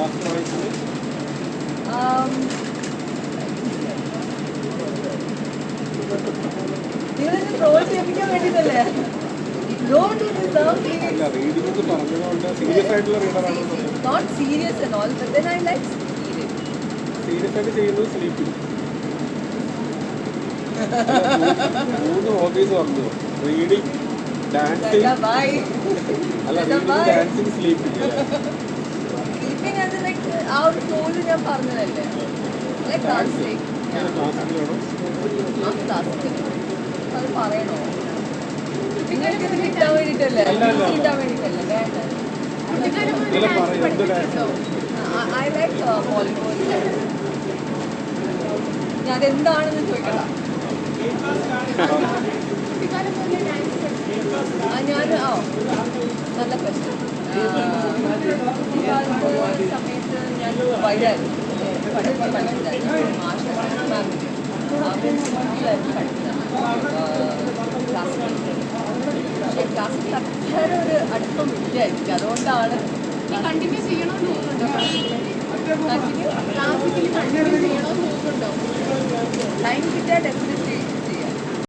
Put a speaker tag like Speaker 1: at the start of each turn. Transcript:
Speaker 1: നിങ്ങളെന്നെ ട്രോൾ ചെയ്യിപ്പിക്കാൻ വേണ്ടിയിട്ടല്ലേ? Don't you deserve me? Not serious and all, but then I like serious.
Speaker 2: Serious ആയിട്ട് ചെയ്യുന്നത് സ്ലീപ്പിംഗ്. മൂന്ന് ഹോബീസ് പറഞ്ഞു. Reading, dancing. അല്ല റീഡിങ്, ഡാൻസിങ്, സ്ലീപ്പിംഗ്.
Speaker 1: സ്ലീപ്പിംഗ് അത് ലൈക്ക് ആ ഒരു ഫ്ലോയിൽ ഞാൻ പറഞ്ഞതല്ലേ. Like dancing.
Speaker 2: ക്ലാസിക്കലാണോ?
Speaker 1: ആ ക്ലാസിക്കൽ. അത് പറയണോ? നിങ്ങൾക്ക് ഇത് കിട്ടാൻ വേണ്ടിയിട്ടല്ലേ? കിട്ടാൻ വേണ്ടിയിട്ടല്ലേ? വേണ്ട. I like Bollywood. ഞാൻ അതെന്താണെന്ന് ചോദിക്കണ്ട. ഞാൻ നല്ല പ്രശ്നം. സമയത്ത് ഞാൻ വൈകായിരുന്നു പഠിച്ചിട്ടായിരുന്നു. ആശ മാമിൻ്റെ സ്കൂളിലായിരുന്നു പഠിച്ചത്. പക്ഷേ ക്ലാസ്സിൽ അത്ര ഒരു അടുപ്പം ഇല്ലായിരിക്കും. അതുകൊണ്ടാണ്
Speaker 3: കണ്ടിന്യൂ ചെയ്യണമെന്ന് തോന്നുന്നുണ്ടോ?
Speaker 1: ക്ലാസ്സിക്കൽ
Speaker 3: കണ്ടിന്യൂ ചെയ്യണമെന്ന് തോന്നുന്നുണ്ടോ?
Speaker 1: ടൈം കിട്ടിയാൽ ഡെഫിനറ്റ്ലി